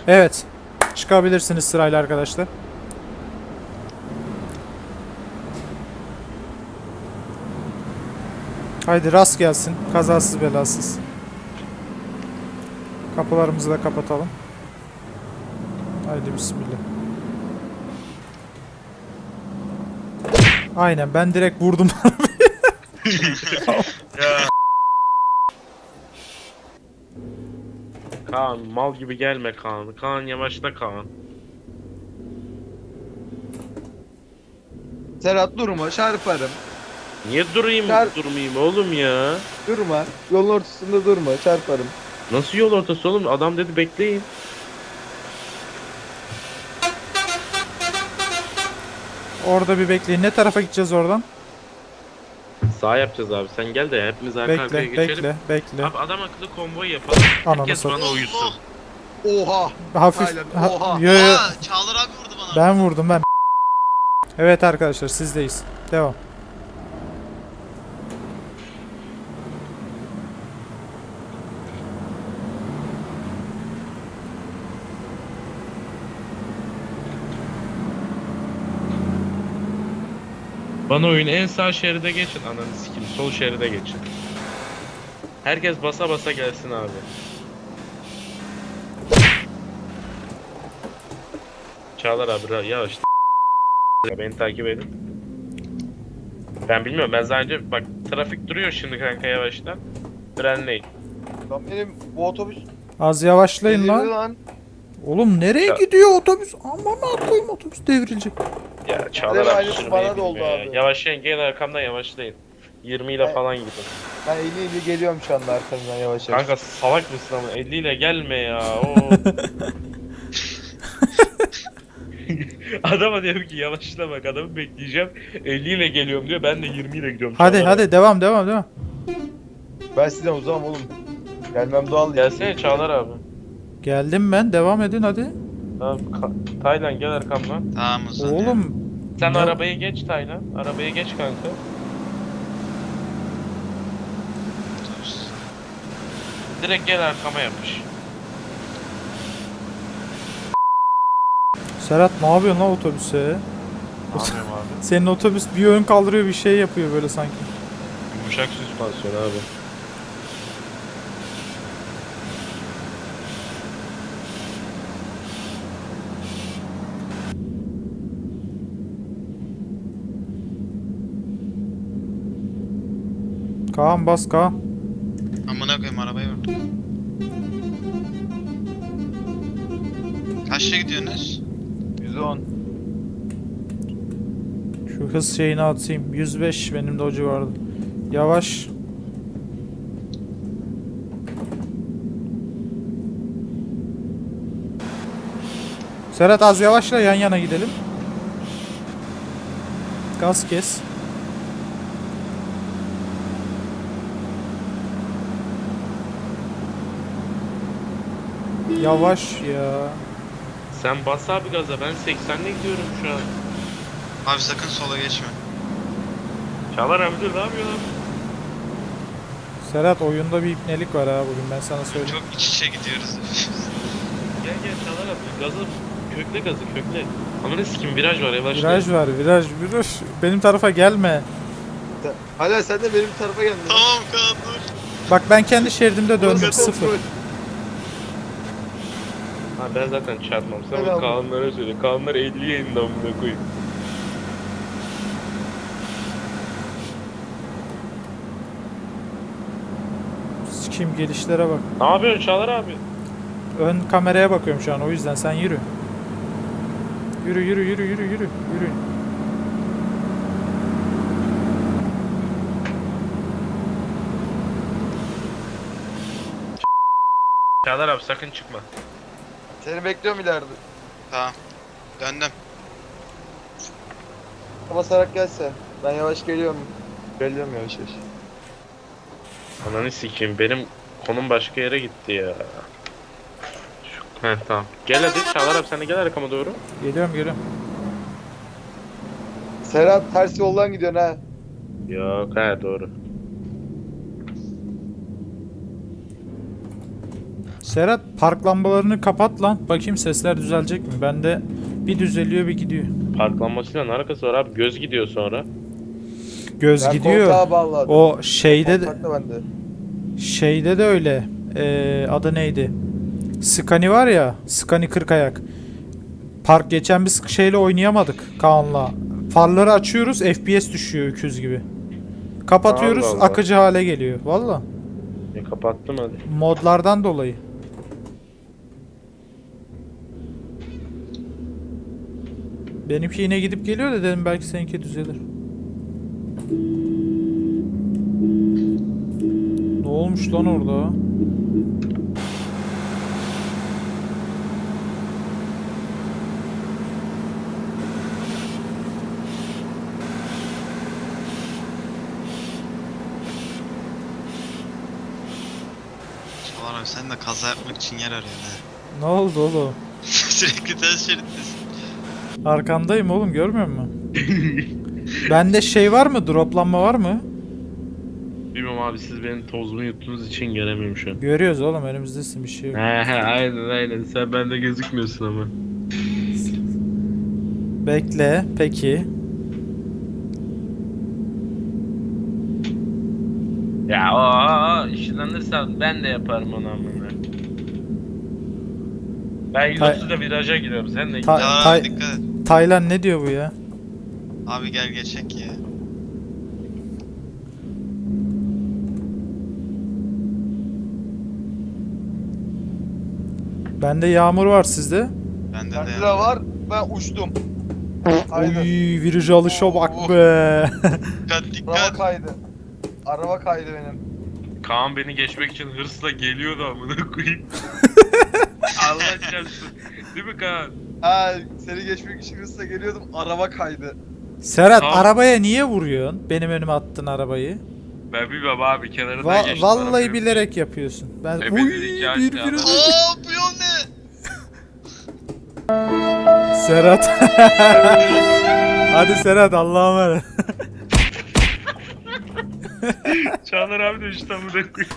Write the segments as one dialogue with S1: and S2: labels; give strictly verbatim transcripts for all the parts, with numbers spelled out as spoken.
S1: Evet. Çıkabilirsiniz sırayla arkadaşlar. Haydi rast gelsin. Kazasız belasız. Kapılarımızı da kapatalım. Haydi bismillah. Aynen ben direkt vurdum.
S2: Ya. Kaan mal gibi gelme Kaan. Kaan yavaşla Kaan.
S3: Serhat durma, çarparım.
S2: Niye durayım
S3: Çar-
S2: durmayayım oğlum ya?
S3: Durma. Yolun ortasında durma, çarparım.
S2: Nasıl yol ortası oğlum? Adam dedi bekleyin.
S1: Orada bir bekleyin. Ne tarafa gideceğiz oradan?
S2: Sağ yapacağız abi. Sen gel de hepimiz arka arkaya
S1: Bekle,
S2: geçelim.
S1: bekle, bekle.
S2: Abi adam akıllı konvoy yapalım.
S1: Ananı
S2: Herkes
S1: satayım.
S2: bana uyusun.
S3: Oha!
S1: Hafif.
S3: Aynen,
S1: Ha,
S3: oha.
S1: yo, yo.
S4: Aa, Çağlar abi vurdu bana.
S1: Ben vurdum ben. Evet arkadaşlar sizdeyiz. Devam.
S2: Bana oyun en sağ şeride geçin. Ananı sikeyim. Sol şeride geçin. Herkes basa basa gelsin abi. Çağlar abi ra- yavaş. Beni takip edin. Ben bilmiyorum. Ben sadece bak trafik duruyor şimdi kanka yavaştan. Frenleyin.
S3: Lan benim bu otobüs
S1: Az yavaşlayın
S3: delirdi
S1: lan.
S3: lan.
S1: Oğlum nereye
S2: Ya.
S1: gidiyor otobüs? Aman koyayım otobüs devrilecek.
S2: Ya Çağlar
S3: Benim
S2: abi
S3: aynısı
S2: sürmeyi
S3: bana da oldu
S2: bilmiyor ya.
S3: abi.
S2: Yavaşlayın gelin arkamdan yavaşlayın. yirmi ile
S3: Ben-
S2: falan gidin.
S3: Ben elli elli geliyorum şu anda arkandan yavaş yavaş.
S2: Kanka salak mısın ama elli ile gelme ya. Oo. Adama diyorum ki yavaşla bak adamı bekleyeceğim. elli ile geliyorum diyor. Ben de yirmi ile gidiyorum.
S1: Hadi
S2: Çağlar
S1: hadi
S2: abi.
S1: devam devam devam.
S3: Ben sizden uzağım oğlum. Gelmem doğal değil.
S2: Gelsene Çağlar abi.
S1: Geldim ben devam edin hadi.
S2: Tamam, Ka- Taylan gel arkamdan.
S4: Tamam o zaman.
S1: Oğlum
S2: Sen
S1: Ne-
S2: arabaya geç Taylan. Arabaya geç kanka.
S4: Otobüs.
S2: Direkt gel arkama yapış.
S1: Serhat ne yapıyorsun lan otobüse?
S2: Ne yapıyorum abi?
S1: Senin otobüs bir ön kaldırıyor bir şey yapıyor böyle sanki.
S2: Yumuşak süspansiyon abi.
S1: Kaan bas Kaan.
S4: Amına koyayım arabayı vurdum. Kaçta gidiyorsunuz?
S3: yüz on.
S1: Şu hız şeyini atayım. yüz beş benim de o civarda. Yavaş. Serhat az yavaşla yan yana gidelim. Gaz kes. Yavaş ya.
S2: Sen bas abi gaza. Ben seksenle gidiyorum şu an.
S4: Abi sakın sola geçme.
S2: Çağlar abi dur ne yapıyor lan?
S1: Serhat oyunda bir ipnelik var ha bugün ben sana söyleyeyim.
S4: Çok iç içe gidiyoruz.
S2: Gel gel Çağlar abi. Gazı kökle gazı kökle. Ananı sikim viraj var yavaşla.
S1: Viraj var viraj viraj. Benim tarafa gelme.
S3: Sen- Hala sen de benim tarafa geldin.
S4: Tamam Kaan dur.
S1: Bak ben kendi şeridimde döndüm
S3: Burası
S1: sıfır.
S3: kontrol.
S2: Ha ben zaten çarpmam. Sen
S3: Helal.
S2: bu Kaanlara söyle. Kaanlar elliye indi amına koyayım.
S1: Sikeyim gelişlere bak.
S2: Ne yapıyorsun Çağlar abi?
S1: Ön kameraya bakıyorum şu an o yüzden sen yürü. Yürü yürü yürü yürü yürü yürü.
S2: Çağlar abi sakın çıkma.
S3: Seni bekliyorum ileride.
S4: Tamam. Döndüm.
S3: Basarak gelse. Ben yavaş geliyorum. Geliyorum yavaş yavaş.
S2: Ananı sikeyim benim konum başka yere gitti ya. Şu... Heh tamam. Gel hadi Çağlar abi sen de gel arkama doğru.
S1: Geliyorum geliyorum.
S3: Serhat ters yoldan gidiyorsun ha.
S2: Yok he doğru.
S1: Serhat park lambalarını kapat lan. Bakayım sesler düzelecek mi? Bende bir düzeliyor bir gidiyor.
S2: Parklanmasıyla ne alakası var abi? Göz gidiyor sonra.
S1: Göz
S3: Ben
S1: gidiyor.
S3: koltuğa bağladım.
S1: O şeyde de,
S3: Kontak da bende.
S1: şeyde de öyle. Ee, adı neydi? Scani var ya. Scani kırk ayak. Park geçen biz şeyle oynayamadık Kaan'la. Farları açıyoruz, F P S düşüyor öküz gibi. Kapatıyoruz,
S2: Allah Allah.
S1: akıcı hale geliyor. Valla.
S2: E kapattım hadi.
S1: Modlardan dolayı. Benimki yine gidip geliyor da dedim belki seninki düzelir. Ne olmuş lan orada?
S4: Çağlar abi sen de kaza yapmak için yer arıyorsun ha.
S1: Ne oldu oğlum?
S4: Sürekli ters şerittesin.
S1: Arkandayım oğlum, görmüyor musun? Bende şey var mı? Droplanma var mı?
S2: Bilmiyorum abi, siz benim tozumu yuttuğunuz için göremiyorum şu an.
S1: Görüyoruz oğlum, önümüzdesin, bir şey yok.
S2: He he aynen aynen, sen bende gözükmüyorsun ama.
S1: Bekle, peki.
S2: Ya o işlenirsen ben de yaparım onu amına. Ben yüz otuzda viraja giriyorum, sen de git.
S1: Ta-
S4: Çağlar
S1: Tay-
S4: abi dikkat et.
S1: Taylan ne diyor bu ya?
S4: Abi gel geçek ya.
S1: Bende yağmur var, sizde.
S4: Bende de
S3: Bende de
S4: ya.
S3: var. Ben uçtum.
S1: Oy,
S3: Haydi.
S1: viraj alışa bak
S4: Oh.
S1: be.
S4: Dikkat
S3: Araba
S4: dikkat.
S3: kaydı. Araba kaydı benim.
S2: Kaan beni geçmek için hırsla geliyordu amına koyayım. Allah çarpsın. Değil mi Kaan?
S3: Ha, seni geçmek için hızla geliyordum. Araba kaydı.
S1: Serhat,
S2: Tamam.
S1: arabaya niye vuruyorsun? Benim önüme attın arabayı.
S2: Ben bilmem abi, kenarından
S1: Va-
S2: geçtim.
S1: vallahi
S2: arabayı.
S1: bilerek yapıyorsun. Ben
S2: E,
S1: Uy,
S2: beni de iki
S1: bir
S2: aşağı
S1: viraj.
S2: aldı.
S4: Aa bu yol ne?
S1: Serhat. Hadi Serhat, Allah'a emanet.
S2: Çağlar abi de işte amına koyayım.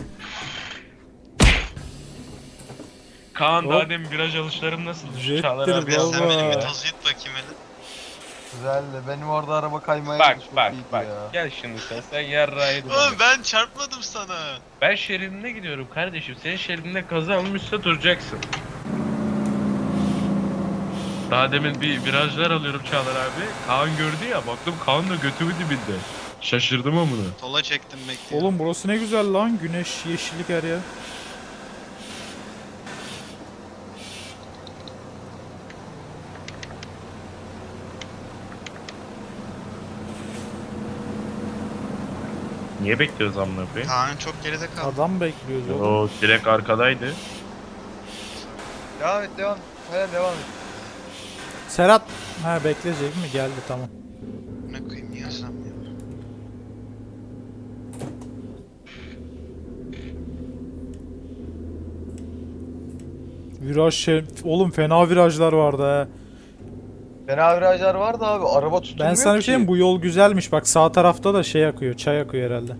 S2: Kaan
S1: Hop.
S2: daha demin viraj alışlarım nasıl?
S1: Jettir
S2: Çağlar abi
S4: Bir
S1: baba.
S4: sen benim bir
S2: ya.
S4: toz yut bakayım hele.
S3: Güzeldi. Benim orada araba kaymaya
S2: Bak
S3: çok
S2: bak
S3: iyiydi
S2: bak,
S3: ya.
S2: gel şimdi sen, sen yarrağıydın.
S4: Oğlum ben çarpmadım sana.
S2: Ben şeridine gidiyorum kardeşim, senin şeridinde kaza almışsa duracaksın. Daha demin bir virajlar alıyorum Çağlar abi. Kaan gördü ya, baktım Kaan da götümü dibinde. Şaşırdım amına.
S4: Sola çektim bekliyorum.
S1: Oğlum burası ne güzel lan. Güneş, yeşillik her yer.
S2: Niye bekliyoruz amına koyayım?
S4: Kaan çok geride kaldı.
S1: Adam bekliyoruz oğlum.
S2: O direkt arkadaydı.
S3: Devam et devam et. Hayır devam et.
S1: Serhat. Ha, bekleyecek mi? Geldi, tamam.
S4: Ne koyayım niye hızlanmıyor?
S1: Viraj şey... Oğlum fena virajlar vardı ha.
S3: Fena virajlar vardı abi. Araba tutulmuyor
S1: Ben sana bir
S3: ki.
S1: şey diyeyim, bu yol güzelmiş. Bak sağ tarafta da şey akıyor, çay akıyor herhalde.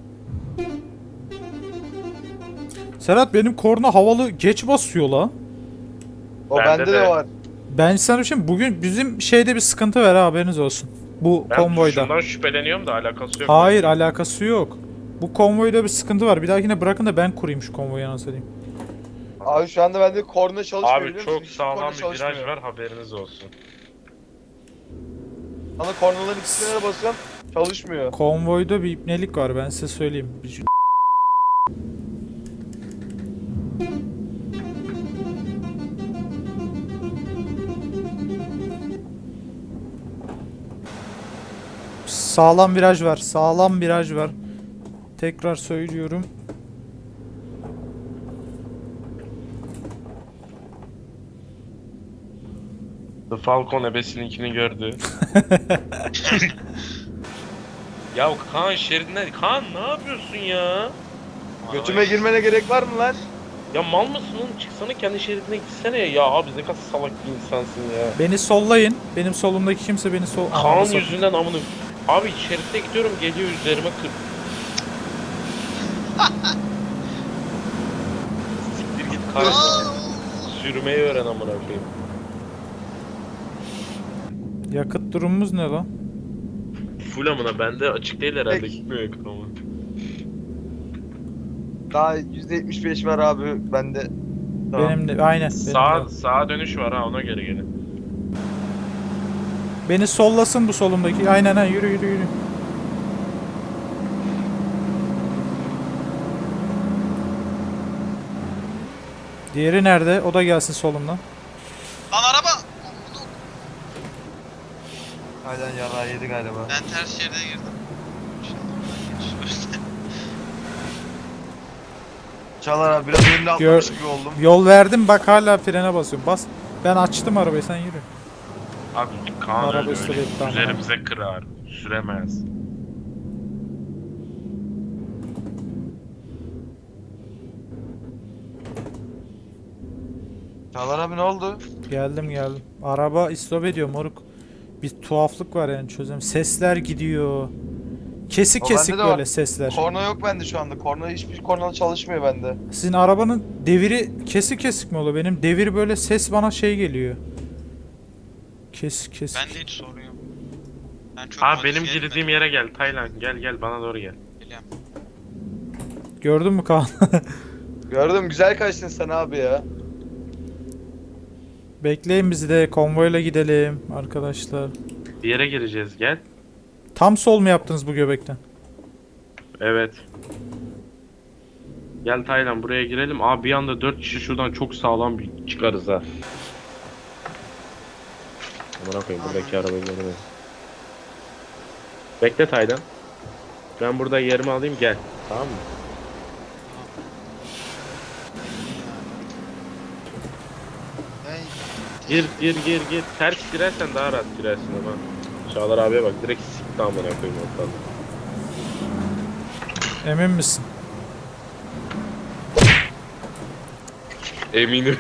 S1: Serhat, benim korna havalı geç basıyor lan.
S3: O
S2: Bende
S3: bende de,
S2: de.
S3: var.
S1: Ben sana bir şey diyeyim, bugün bizim şeyde bir sıkıntı var ha, haberiniz olsun. Bu
S2: Ben
S1: konvoyda.
S2: şundan şüpheleniyorum da alakası yok.
S1: Hayır, alakası yok. Bu konvoyda bir sıkıntı var. Bir dahakine bırakın da ben kurayım şu konvoyu, anasını satayım.
S3: Abi şu anda bende korna çalışmıyor
S2: Abi
S3: biliyor musun?
S2: çok
S3: Hiç
S2: sağlam
S3: korna
S2: bir
S3: çalışmıyor.
S2: viraj var, haberiniz olsun.
S3: Bana kornaların ikisine de basıyorum. Çalışmıyor.
S1: Konvoyda bir ipnelik var, ben size söyleyeyim. Bir- Sağlam viraj var, sağlam viraj var. Tekrar söylüyorum.
S2: The Falcon ebesininkini gördü. Ya Kaan şeridine... Kaan ne yapıyorsun ya?
S3: Götüme girmene gerek var mı lan?
S2: Ya mal mısın oğlum? Çıksana kendi şeridine gitsene ya. Ya abi ne kadar salak bir insansın ya.
S1: Beni sollayın. Benim solumdaki kimse beni sol...
S2: Kaan
S1: Ananı satayım.
S2: yüzünden amını... Abi şeritte gidiyorum, geliyor üzerime kır... Siktir git Kaan.
S4: Aa
S2: Sürmeyi öğren amına koyayım.
S1: Yakıt durumumuz ne lan?
S2: Full amına bende açık değil herhalde,
S3: Peki.
S2: gitmiyor yakıt ama.
S3: Daha yüzde yetmiş beş var abi bende. Tamam.
S1: Benim de aynen. Benim
S2: Sağ,
S1: de.
S2: sağa dönüş var ha, ona göre gelin.
S1: Beni sollasın bu solumdaki. Aynen ha, yürü yürü yürü. Diğeri nerede? O da gelsin solumdan.
S4: Lan araba!
S3: Aynen yara yedi galiba.
S4: Ben ters şeride girdim. İnşallah oradan geçiş.
S3: Çağlar abi biraz önüne atlamış gibi oldum.
S1: Yol verdim, bak hala frene basıyorum. Bas. Ben açtım arabayı, sen yürü.
S2: Abi Kaan
S1: Araba
S2: öyle,
S1: üstüne
S2: öyle
S1: gitti ama.
S2: üzerimize kırar. Süremez.
S3: Çağlar abi ne oldu?
S1: Geldim geldim. Araba istop ediyor moruk. Bir tuhaflık var yani, çözüm. Sesler gidiyor. Kesik
S3: O
S1: kesik
S3: bende de var.
S1: böyle sesler.
S3: Korna yok bende şu anda. Korna hiçbir korna çalışmıyor bende.
S1: Sizin arabanın deviri kesik kesik mi oluyor? Benim devir böyle ses bana şey geliyor. Kesik kesik.
S4: Bende hiç sorun yok. Ben çok
S2: Abi benim
S4: modifiye
S2: girdiğim yere gel Taylan, gel gel bana doğru gel.
S4: etmedim.
S1: Gördün mü Kaan?
S3: Gördüm güzel kaçtın sen abi ya.
S1: Bekleyin bizi de, konvoyla gidelim arkadaşlar.
S2: Bir yere gireceğiz, gel.
S1: Tam sol mu yaptınız bu göbekten?
S2: Evet. Gel Taylan, buraya girelim. Abi bir anda dört kişi şuradan çok sağlam bir çıkarız ha. Amına koyayım, buradaki arabayı görmedim. Bekle Taylan. Ben burada yerimi alayım, gel. Tamam mı?
S4: Hey,
S2: Gir gir gir gir. Ters girersen daha rahat girersin ama. Çağlar abiye bak, direkt sikti amına koyayım ortadan.
S1: Emin misin?
S2: Eminim.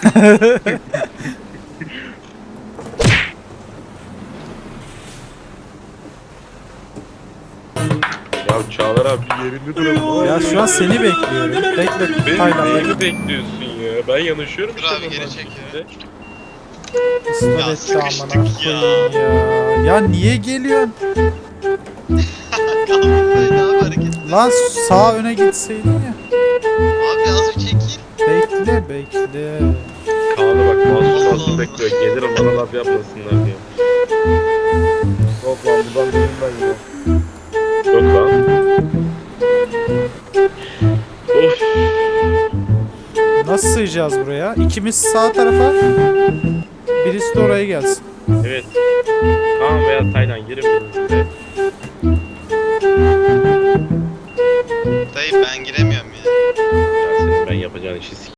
S2: Ya Çağlar abi yerinde duralım.
S1: Ya şu an seni bekliyorum. Bekle
S2: Beni
S1: Taylan,
S2: neyini
S1: bekle.
S2: bekliyorsun ya? Ben yanaşıyorum
S4: Dur
S2: işte
S4: abi, geri
S2: normal
S4: çek ya.
S2: şekilde.
S1: İstop
S4: Ya
S1: etti
S4: sıkıştık
S1: amına
S4: ya.
S1: koyayım ya. Ya niye geliyorsun?
S4: Kalkmayın abi hareket.
S1: Lan sağa öne gitseydin ya.
S4: Abi az bir çekil.
S1: Bekle bekle.
S2: Kaan'a bak, masum
S4: Allah
S2: masum
S4: Allah.
S2: bekliyor. Gelirim bana laf yapmasınlar diye.
S3: Yok lan buradan değilim ben ya.
S2: Yok lan. Of.
S1: Nasıl sığacağız buraya? İkimiz sağ tarafa. Birisi de oraya gelsin.
S2: Evet. Kaan veya Taylan girin biriniz de.
S4: Dayı ben giremiyorum ya.
S2: Ya senin ben yapacağın işi